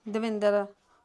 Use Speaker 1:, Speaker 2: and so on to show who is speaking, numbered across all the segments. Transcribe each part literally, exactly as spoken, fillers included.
Speaker 1: ਦਵਿੰਦਰ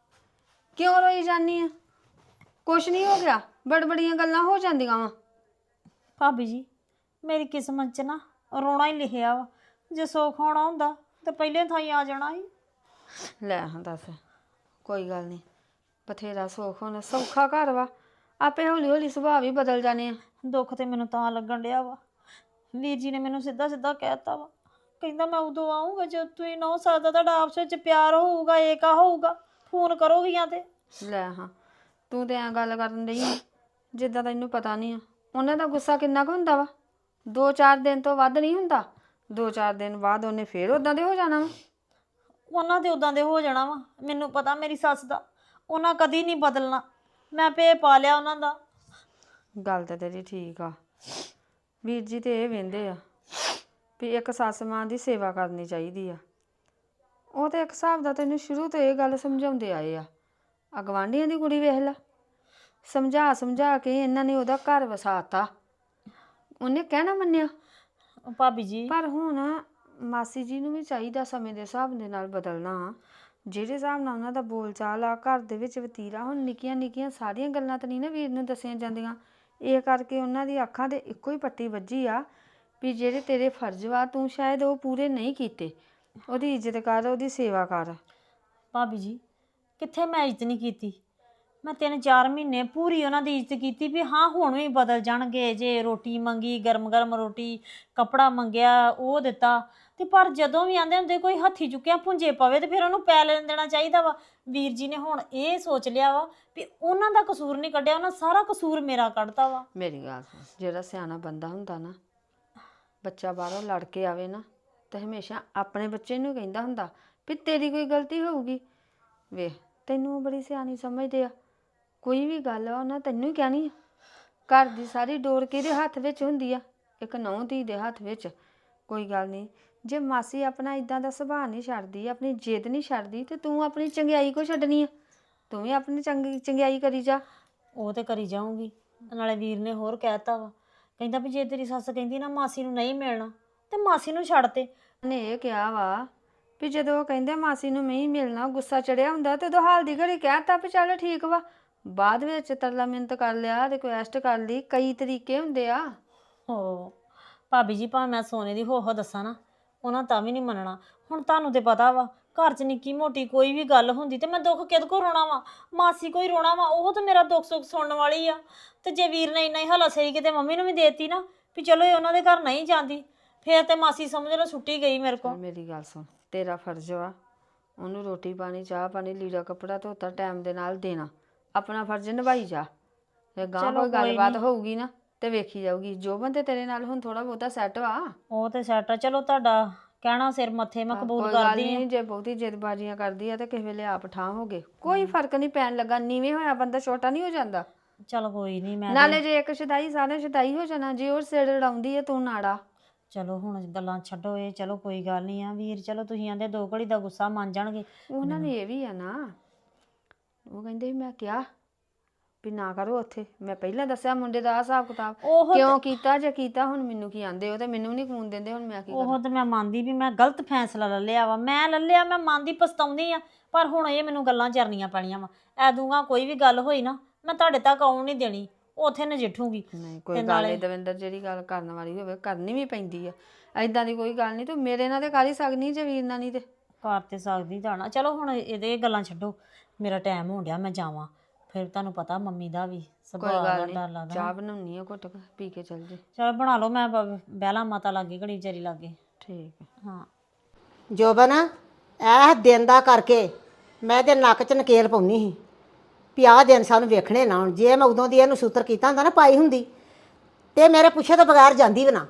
Speaker 1: ਕਿਉਂ ਰੋਈ ਜਾਨੀ ਆ? ਕੁਛ ਨਹੀਂ ਹੋ ਗਿਆ, ਬੜਬੜੀਆਂ ਗੱਲਾਂ ਹੋ ਜਾਂਦੀਆਂ ਵਾ।
Speaker 2: ਭਾਬੀ ਜੀ ਮੇਰੀ ਕਿਸਮਤ 'ਚ ਨਾ ਰੋਣਾ ਹੀ ਲਿਖਿਆ ਵਾ। ਜੇ ਸੁੱਖ ਹੋਣਾ ਹੁੰਦਾ ਤਾਂ ਪਹਿਲੇ ਥਾਈ ਆ ਜਾਣਾ ਸੀ।
Speaker 1: ਲੈ ਹਾਂ ਦੱਸ, ਕੋਈ ਗੱਲ ਨਹੀਂ, ਬਥੇਰਾ ਸੁੱਖ ਹੋਣਾ, ਸੌਖਾ ਘਰ ਵਾ, ਆਪੇ ਹੌਲੀ ਹੌਲੀ ਸੁਭਾਅ ਵੀ ਬਦਲ ਜਾਣੇ ਆ।
Speaker 2: ਦੁੱਖ ਤੇ ਮੈਨੂੰ ਤਾਂ ਲੱਗਣ ਡਿਆ ਵਾ, ਵੀਰ ਜੀ ਨੇ ਮੈਨੂੰ ਸਿੱਧਾ ਸਿੱਧਾ ਕਹਿ ਦਿੱਤਾ ਵਾ, ਕਹਿੰਦਾ ਮੈਂ ਉਦੋਂ ਆਊਂਗਾ ਜਦ ਤੁਸੀਂ ਨਹੁੰ ਸਕਦਾ ਤੁਹਾਡਾ ਆਪਸ ਵਿੱਚ ਪਿਆਰ ਹੋਊਗਾ, ਏਕਾ ਹੋਊਗਾ, ਫੋਨ ਕਰੋਗੀਆਂ ਤੇ।
Speaker 1: ਲੈ ਹਾਂ, ਤੂੰ ਤੇ ਐਂ ਗੱਲ ਕਰਨ ਡਈ ਆ ਜਿੱਦਾਂ ਤੈਨੂੰ ਪਤਾ ਨਹੀਂ ਆ ਉਹਨਾਂ ਦਾ ਗੁੱਸਾ ਕਿੰਨਾ ਕੁ ਹੁੰਦਾ ਵਾ। ਦੋ ਚਾਰ ਦਿਨ ਤੋਂ ਵੱਧ ਨਹੀਂ ਹੁੰਦਾ, ਦੋ ਚਾਰ ਦਿਨ ਬਾਅਦ ਉਹਨੇ ਫੇਰ ਉਦਾਂ ਦੇ ਹੋ ਜਾਣਾ ਵਾ।
Speaker 2: ਉਹਨਾਂ ਦੇ ਉਦਾਂ ਦੇ ਹੋ ਜਾਣਾ ਵਾ, ਮੈਨੂੰ ਪਤਾ ਮੇਰੀ ਸੱਸ ਦਾ, ਉਹਨਾਂ ਕਦੀ ਨਹੀਂ ਬਦਲਣਾ। ਮੈਂ ਭੇ ਪਾ ਲਿਆ ਉਹਨਾਂ ਦਾ।
Speaker 1: ਗੱਲ ਤਾਂ ਤੇਰੀ ਠੀਕ ਆ, ਵੀਰ ਜੀ ਤੇ ਇਹ ਵਹਿੰਦੇ ਆ ਵੀ ਇੱਕ ਸੱਸ ਮਾਂ ਦੀ ਸੇਵਾ ਕਰਨੀ ਚਾਹੀਦੀ ਆ। ਉਹ ਤੇ ਇੱਕ ਹਿਸਾਬ ਦਾ ਤੈਨੂੰ ਸ਼ੁਰੂ ਤੋਂ ਇਹ ਗੱਲ ਸਮਝਾਉਂਦੇ ਆਏ ਆ। ਆ ਗਵਾਂਢੀਆਂ ਦੀ ਕੁੜੀ ਵੇਖ ਲਾ, ਸਮਝਾ ਸਮਝਾ ਕੇ ਇਹਨਾਂ ਨੇ ਉਹਦਾ ਘਰ ਵਸਾਤਾ, ਉਹਨੇ ਕਹਿਣਾ ਮੰਨਿਆ।
Speaker 2: ਭਾਬੀ ਜੀ
Speaker 1: ਪਰ ਹੁਣ ਮਾਸੀ ਜੀ ਨੂੰ ਵੀ ਚਾਹੀਦਾ ਸਮੇਂ ਦੇ ਹਿਸਾਬ ਦੇ ਨਾਲ ਬਦਲਣਾ। ਜਿਹੜੇ ਹਿਸਾਬ ਨਾਲ ਉਹਨਾਂ ਦਾ ਬੋਲ ਚਾਲ ਆ ਘਰ ਦੇ ਵਿੱਚ ਵਤੀਰਾ, ਹੁਣ ਨਿੱਕੀਆਂ ਨਿੱਕੀਆਂ ਸਾਰੀਆਂ ਗੱਲਾਂ ਤਾਂ ਨਹੀਂ ਨਾ ਵੀਰ ਨੂੰ ਦੱਸੀਆਂ ਜਾਂਦੀਆਂ। ਇਹ ਕਰਕੇ ਉਹਨਾਂ ਦੀ ਅੱਖਾਂ ਤੇ ਇੱਕੋ ਹੀ ਪੱਟੀ ਵੱਜੀ ਆ ਵੀ ਜਿਹੜੇ ਤੇਰੇ ਫਰਜ਼ ਵਾ ਤੂੰ ਸ਼ਾਇਦ ਉਹ ਪੂਰੇ ਨਹੀਂ ਕੀਤੇ। ਉਹਦੀ ਇੱਜ਼ਤ ਕਰ, ਉਹਦੀ ਸੇਵਾ ਕਰ।
Speaker 2: ਭਾਬੀ ਜੀ ਕਿੱਥੇ ਮੈਂ ਇੱਜ਼ਤ ਨਹੀਂ ਕੀਤੀ? ਮੈਂ ਤਿੰਨ ਚਾਰ ਮਹੀਨੇ ਪੂਰੀ ਉਹਨਾਂ ਦੀ ਇੱਜ਼ਤ ਕੀਤੀ ਵੀ ਹਾਂ ਹੁਣ ਵੀ ਬਦਲ ਜਾਣਗੇ। ਜੇ ਰੋਟੀ ਮੰਗੀ ਗਰਮ ਗਰਮ ਰੋਟੀ, ਕੱਪੜਾ ਮੰਗਿਆ ਉਹ ਦਿੱਤਾ, ਤੇ ਪਰ ਜਦੋਂ ਵੀ ਆਂਦੇ ਹੁੰਦੇ ਕੋਈ ਹੱਥੀ ਚੁੱਕਿਆ ਭੁੰਜੇ ਪਵੇ ਤੇ ਫਿਰ ਉਹਨੂੰ ਪੈ ਲੈਣ ਦੇਣਾ ਚਾਹੀਦਾ ਵਾ। ਵੀਰ ਜੀ ਨੇ ਹੁਣ ਇਹ ਸੋਚ ਲਿਆ ਵਾ ਵੀ ਉਹਨਾਂ ਦਾ ਕਸੂਰ ਨਹੀਂ ਕੱਢਿਆ, ਉਹਨਾਂ ਸਾਰਾ ਕਸੂਰ ਮੇਰਾ ਕੱਢਤਾ ਵਾ।
Speaker 1: ਮੇਰੀ ਗੱਲ ਸੁਣ, ਜਿਹੜਾ ਸਿਆਣਾ ਬੰਦਾ ਹੁੰਦਾ ਨਾ, ਬੱਚਾ ਬਾਹਰੋਂ ਲੜ ਕੇ ਆਵੇ ਨਾ ਤੇ ਹਮੇਸ਼ਾ ਆਪਣੇ ਬੱਚੇ ਨੂੰ ਕਹਿੰਦਾ ਹੁੰਦਾ ਵੀ ਤੇਰੀ ਕੋਈ ਗਲਤੀ ਹੋਊਗੀ। ਵੇਖ ਤੈਨੂੰ ਉਹ ਬੜੀ ਸਿਆਣੀ ਸਮਝਦੇ ਆ, ਕੋਈ ਵੀ ਗੱਲ ਆ ਉਹਨਾਂ ਤੈਨੂੰ ਹੀ ਕਹਿਣੀ ਆ। ਘਰ ਦੀ ਸਾਰੀ ਡੋਰ ਕਿਹਦੇ ਹੱਥ ਵਿੱਚ ਹੁੰਦੀ ਆ? ਇੱਕ ਨਹੁੰ ਧੀ ਦੇ ਹੱਥ ਵਿੱਚ। ਕੋਈ ਗੱਲ ਨਹੀਂ, ਜੇ ਮਾਸੀ ਆਪਣਾ ਇਦਾਂ ਦਾ ਸੁਭਾਅ ਨਹੀਂ ਛੱਡਦੀ, ਆਪਣੀ ਜਿੱਦ ਨਹੀਂ ਛੱਡਦੀ, ਤੇ ਤੂੰ ਆਪਣੀ ਚੰਗਿਆਈ ਕੋ ਛੱਡਣੀ ਆ? ਤੂੰ ਵੀ ਆਪਣੀ ਚੰਗੀ ਚੰਗਿਆਈ ਕਰੀ ਜਾ।
Speaker 2: ਉਹ ਤੇ ਕਰੀ ਜਾਊਂਗੀ। ਨਾਲੇ ਵੀਰ ਨੇ ਹੋਰ ਕਹਿਤਾ ਵਾ, ਕਹਿੰਦਾ ਵੀ ਜੇ ਤੇਰੀ ਸੱਸ ਕਹਿੰਦੀ ਨਾ ਮਾਸੀ ਨੂੰ ਨਹੀਂ ਮਿਲਣਾ ਤੇ ਮਾਸੀ ਨੂੰ ਛੱਡ ਤੇ।
Speaker 1: ਉਹਨੇ ਇਹ ਕਿਹਾ ਵਾ ਵੀ ਜਦੋਂ ਉਹ ਕਹਿੰਦੇ ਮਾਸੀ ਨੂੰ ਨਹੀਂ ਮਿਲਣਾ, ਗੁੱਸਾ ਚੜਿਆ ਹੁੰਦਾ ਤੇ ਉਦੋਂ ਹਾਲ ਦੀ ਘੜੀ ਕਹਿਤਾ ਵੀ ਚੱਲ ਠੀਕ ਵਾ। ਬਾਅਦ ਵਿੱਚ ਤਰਲਾ ਮਿੰਤ ਕਰ ਲਿਆ, ਰਿਕੁਐਸਟ ਕਰ ਲਈ, ਕਈ ਤਰੀਕੇ ਹੁੰਦੇ ਆ।
Speaker 2: ਹੋ ਭਾਬੀ ਜੀ ਭਾਵੇਂ ਮੈਂ ਸੋਨੇ ਦੀ ਹੋ ਹੋ ਦੱਸਾਂ ਨਾ, ਉਹਨਾਂ ਤਾਂ ਵੀ ਨਹੀਂ ਮੰਨਣਾ। ਹੁਣ ਤੁਹਾਨੂੰ ਤੇ ਪਤਾ ਵਾ ਘਰ 'ਚ ਨਿੱਕੀ ਮੋਟੀ ਕੋਈ ਵੀ ਗੱਲ ਹੁੰਦੀ ਤੇ ਮੈਂ ਦੁੱਖ ਕਿਹਦੇ ਕੋ ਰੋਣਾ ਵਾ? ਮਾਸੀ ਕੋਈ ਰੋਣਾ ਵਾ, ਉਹ ਤਾਂ ਮੇਰਾ ਦੁੱਖ ਸੁੱਖ ਸੁਣਨ ਵਾਲੀ ਆ। ਤੇ ਜੇ ਵੀਰ ਨੇ ਇੰਨਾ ਹੀ ਹਲਾ ਸਹੀ ਕਿਤੇ ਮੰਮੀ ਨੂੰ ਵੀ ਦੇਤੀ ਨਾ ਵੀ ਚਲੋ ਇਹ ਉਹਨਾਂ ਦੇ ਘਰ ਨਹੀਂ ਜਾਂਦੀ, ਫੇਰ ਤੇ ਮਾਸੀ ਸਮਝ ਲਓ ਛੁੱਟੀ ਗਈ ਮੇਰੇ ਕੋਲ।
Speaker 1: ਮੇਰੀ ਗੱਲ ਸੁਣ, ਤੇਰਾ ਫਰਜ਼ ਵਾ ਉਹਨੂੰ ਰੋਟੀ ਪਾਣੀ, ਚਾਹ ਪਾਣੀ, ਲੀੜਾ ਕੱਪੜਾ ਧੋਤਾ ਟਾਈਮ ਦੇ ਨਾਲ ਦੇਣਾ। ਆਪਣਾ ਫਰਜ਼ ਨਿਭਾਈ ਜਾ। ਜੇ ਗਾਂ ਕੋਈ ਗੱਲਬਾਤ ਹੋਊਗੀ ਨਾ ਤੇ ਵੇਖੀ ਜਾਊਗੀ। ਜੋ ਬੰਦੇ ਤੇਰੇ ਨਾਲ ਹੁਣ ਥੋੜਾ ਬਹੁਤਾ ਸੈੱਟ ਵਾ, ਉਹ
Speaker 2: ਤੇ ਸੈੱਟ ਆ। ਚਲੋ ਤੁਹਾਡਾ ਕਹਿਣਾ ਸਿਰ ਮੱਥੇ, ਮੈਂ ਕਬੂਲ ਕਰਦੀ ਹਾਂ।
Speaker 1: ਜੇ ਬਹੁਤੀ ਜਿੱਦਬਾਜ਼ੀਆਂ ਕਰਦੀ ਆ ਤੇ ਕਿਸੇ ਵੇਲੇ ਆਪ ਠਾਂ ਹੋ ਗਏ, ਕੋਈ ਫਰਕ ਨਹੀਂ ਪੈਣ ਲੱਗਾ। ਨੀਵੇਂ ਹੋਇਆ ਬੰਦਾ ਛੋਟਾ ਨਹੀਂ ਹੋ ਜਾਂਦਾ।
Speaker 2: ਚਲ ਕੋਈ ਨਹੀਂ, ਮੈਂ
Speaker 1: ਨਾਲੇ ਜੇ ਇੱਕ ਸ਼ਦਾਈ ਸਾਰੇ ਸ਼ਦਾਈ ਹੋ ਜਾਣਾ। ਜੇ ਉਹ ਸਿਰ ਲੜਾਉਂਦੀ ਹੈ ਤੂੰ ਨਾੜਾ।
Speaker 2: ਚਲੋ ਹੁਣ ਗੱਲਾਂ ਛੱਡੋ ਇਹ, ਚਲੋ ਕੋਈ ਗੱਲ ਨਹੀਂ ਆ। ਵੀਰ ਚਲੋ ਤੁਸੀਂ ਆਂਦੇ ਦੋ ਘੜੀ ਦਾ ਗੁੱਸਾ ਮੰਨ ਜਾਣਗੇ।
Speaker 1: ਉਹਨਾਂ ਨੇ ਇਹ ਵੀ ਆ ਨਾ, ਉਹ ਕਹਿੰਦੇ ਮੈਂ ਕਿਹਾ ਵੀ ਨਾ ਕਰੋ ਉੱਥੇ। ਮੈਂ ਪਹਿਲਾਂ ਦੱਸਿਆ ਮੁੰਡੇ ਦਾ ਹਿਸਾਬ ਕਿਤਾਬ ਕਿਉਂ ਕੀਤਾ, ਜੇ ਕੀਤਾ ਹੁਣ ਮੈਨੂੰ ਕੀ ਆਂਦੇ ਹੋ ਤੇ ਮੈਨੂੰ ਨਹੀਂ ਖੂਨ ਦਿੰਦੇ, ਹੁਣ ਮੈਂ ਕੀ ਕਰਾਂ?
Speaker 2: ਉਹ ਤੇ ਮੈਂ ਮੰਨਦੀ ਵੀ ਮੈਂ ਗਲਤ ਫੈਸਲਾ ਲੈ ਲਿਆ ਵਾ, ਮੈਂ ਲੈ ਲਿਆ, ਮੈਂ ਮੰਨਦੀ ਪਛਤਾਉਂਦੀ ਆ। ਪਰ ਹੁਣ ਇਹ ਮੈਨੂੰ ਗੱਲਾਂ ਚਰਨੀਆਂ ਪੈਣੀਆਂ ਵਾ। ਐ ਦੂੰਗਾ ਕੋਈ ਵੀ ਗੱਲ ਹੋਈ ਨਾ ਮੈਂ ਤੁਹਾਡੇ ਤੱਕ ਆਉਣ ਨਹੀਂ ਦੇਣੀ, ਉੱਥੇ ਨਜਿੱਠੂਗੀ।
Speaker 1: ਨਹੀਂ ਕੋਈ ਗੱਲ ਨਹੀਂ ਦਵਿੰਦਰ, ਜਿਹੜੀ ਗੱਲ ਕਰਨ ਵਾਲੀ ਹੋਵੇ ਕਰਨੀ ਵੀ ਪੈਂਦੀ ਆ। ਐਦਾਂ ਦੀ ਕੋਈ ਗੱਲ ਨਹੀਂ, ਤੂੰ ਮੇਰੇ ਨਾਲ ਤੇ ਕਰ ਹੀ ਸਕਦੀ, ਜੇ ਵੀਰ ਨਾਲ ਨਹੀਂ ਤੇ
Speaker 2: ਕਰ ਤੇ ਸਕਦੀ ਜਾਣਾ। ਚਲੋ ਹੁਣ ਇਹਦੇ ਗੱਲਾਂ ਛੱਡੋ, ਮੇਰਾ ਟਾਈਮ ਹੋ ਗਿਆ, ਮੈਂ ਜਾਵਾਂ। ਫਿਰ ਤੁਹਾਨੂੰ ਪਤਾ ਮੰਮੀ ਦਾ ਵੀ ਸੁਭਾਅ ਦਾ ਡਰ ਲੱਗਦਾ।
Speaker 1: ਚਾਹ ਬਣਾਉਣੀ ਆ, ਘੁੱਟ ਪੀ ਕੇ ਚੱਲ ਜੇ।
Speaker 2: ਚਲ ਬਣਾ ਲਓ, ਮੈਂ ਬਹਿਲਾ ਮਾਤਾ ਲਾਗੇ ਘੜੀ ਵਿਚਾਰੀ ਲਾਗੇ।
Speaker 1: ਠੀਕ ਹੈ।
Speaker 2: ਹਾਂ
Speaker 3: ਜੋਬਨ, ਇਹ ਦਿਨ ਦਾ ਕਰਕੇ ਮੈਂ ਤੇ ਨੱਕ 'ਚ ਨਕੇਲ ਪਾਉਣੀ ਸੀ ਵੀ ਆਹ ਦਿਨ ਸਾਨੂੰ ਵੇਖਣੇ ਨਾ। ਹੁਣ ਜੇ ਮੈਂ ਉਦੋਂ ਦੀ ਇਹਨੂੰ ਸੂਤਰ ਕੀਤਾ ਹੁੰਦਾ ਨਾ, ਪਾਈ ਹੁੰਦੀ ਤੇ ਮੇਰੇ ਪੁੱਛੇ ਤੋਂ ਬਗੈਰ ਜਾਂਦੀ ਵੀ ਨਾ।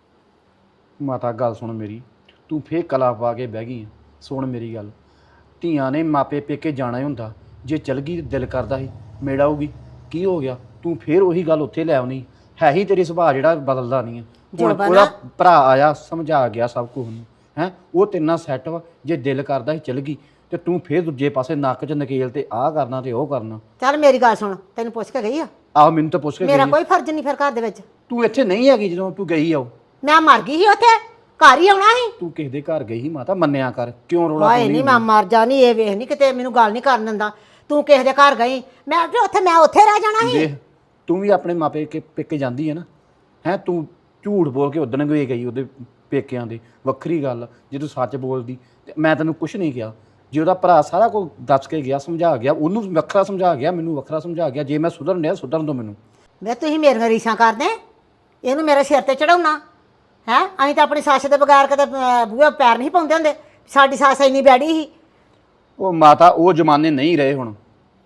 Speaker 4: ਮਾਤਾ ਗੱਲ ਸੁਣ ਮੇਰੀ, ਤੂੰ ਫੇਰ ਕਲਾ ਪਾ ਕੇ ਬਹਿ ਗਈ ਆ। ਸੁਣ ਮੇਰੀ ਗੱਲ, ਧੀਆਂ ਨੇ ਮਾਪੇ ਪੇਕੇ ਜਾਣਾ ਹੀ ਹੁੰਦਾ। ਜੇ ਚਲ ਗਈ ਦਿਲ ਕਰਦਾ ਸੀ ਮੇੜ ਆਊਗੀ, ਕੀ ਹੋ ਗਿਆ? ਤੂੰ ਫੇਰ ਉਹੀ ਗੱਲ ਉੱਥੇ ਲੈ ਆਉਣੀ ਹੈ ਹੀ। ਤੇਰੀ ਸੁਭਾਅ ਜਿਹੜਾ ਬਦਲਦਾ ਨਹੀਂ ਹੈ। ਹੁਣ ਉਹਦਾ ਭਰਾ ਆਇਆ, ਸਮਝਾ ਗਿਆ ਸਭ ਕੁਝ ਉਹਨੂੰ, ਹੈ ਉਹ ਤੇਨਾਂ ਸੈੱਟ ਵਾ। ਜੇ ਦਿਲ ਕਰਦਾ ਸੀ ਚਲ ਗਈ ਤੇ ਤੂੰ ਫੇਰ ਦੂਜੇ ਪਾਸੇ ਨੱਕ 'ਚ ਨਕੇਲ ਤੇ ਆਹ ਕਰਨਾ ਤੇ ਉਹ ਕਰਨਾ।
Speaker 3: ਚੱਲ ਮੇਰੀ ਗੱਲ ਸੁਣ, ਤੈਨੂੰ ਪੁੱਛ ਕੇ ਗਈ ਆ?
Speaker 4: ਆਹੋ ਮੈਨੂੰ ਤਾਂ ਪੁੱਛ ਕੇ
Speaker 3: ਮੇਰਾ
Speaker 4: ਗਈ।
Speaker 3: ਕੋਈ ਫਰਜ਼ ਨਹੀਂ ਫਿਰ ਘਰ ਦੇ ਵਿੱਚ।
Speaker 4: ਤੂੰ ਇੱਥੇ ਨਹੀਂ ਹੈਗੀ ਜਦੋਂ ਤੂੰ ਗਈ ਆ। ਉਹ
Speaker 3: ਮੈਂ ਮਰ ਗਈ ਸੀ ਉੱਥੇ, ਘਰ ਹੀ ਆਉਣਾ ਸੀ।
Speaker 4: ਤੂੰ ਕਿਸੇ ਦੇ ਘਰ ਗਈ ਸੀ ਮਾਤਾ, ਮੰਨਿਆ ਕਰ, ਕਿਉਂ ਰੋਲਾ
Speaker 3: ਹਾਏ
Speaker 4: ਪਾਉਂਦੀ
Speaker 3: ਨਹੀਂ ਮੈਂ ਮਰ ਜਾ ਨਹੀਂ, ਇਹ ਵੇਖ ਨਹੀਂ ਕਿਤੇ ਮੈਨੂੰ ਗੱਲ ਨਹੀਂ ਕਰਨ ਦਿੰਦਾ। ਤੂੰ ਕਿਸੇ ਦੇ ਘਰ ਗਈ, ਮੈਂ ਵੀ ਉੱਥੇ ਮੈਂ ਉੱਥੇ ਰਹਿ ਜਾਣਾ ਸੀ।
Speaker 4: ਦੇਖ ਤੂੰ ਵੀ ਆਪਣੇ ਮਾਪੇ ਕੇ ਪੇਕੇ ਜਾਂਦੀ ਹੈ ਨਾ, ਹੈ ਤੂੰ ਝੂਠ ਬੋਲ ਕੇ ਉਦਣ ਗਈ ਗਈ ਉਹਦੇ ਪੇਕਿਆਂ ਦੇ, ਵੱਖਰੀ ਗੱਲ। ਜੇ ਤੂੰ ਸੱਚ ਬੋਲਦੀ ਤੇ ਮੈਂ ਤੈਨੂੰ ਕੁਝ ਨਹੀਂ ਕਿਹਾ। ਜੇ ਉਹਦਾ ਭਰਾ ਸਾਰਾ ਕੁਝ ਦੱਸ ਕੇ ਗਿਆ, ਸਮਝਾ ਗਿਆ, ਉਹਨੂੰ ਵੱਖਰਾ ਸਮਝਾ ਗਿਆ, ਮੈਨੂੰ ਵੱਖਰਾ ਸਮਝਾ ਗਿਆ। ਜੇ ਮੈਂ ਸੁਧਰਨ ਡਿਆ ਸੁਧਰਨ ਦੋ ਮੈਨੂੰ।
Speaker 3: ਵੇ ਤੁਸੀਂ ਮੇਰੀਆਂ ਰੀਸਾਂ ਕਰਦੇ, ਇਹਨੂੰ ਮੇਰੇ ਸਿਰ ਤੇ ਚੜਾਉਣਾ ਹੈ। ਅਸੀਂ ਤਾਂ ਆਪਣੀ ਸੱਸ ਦੇ ਬਗੈਰ ਕਦੇ ਅਹ, ਬੂਹੇ ਪੈਰ ਨਹੀਂ ਪਾਉਂਦੇ ਹੁੰਦੇ। ਸਾਡੀ ਸੱਸ ਇੰਨੀ ਬੈੜੀ ਸੀ।
Speaker 4: ਉਹ ਮਾਤਾ ਉਹ ਜ਼ਮਾਨੇ ਨਹੀਂ ਰਹੇ ਹੁਣ,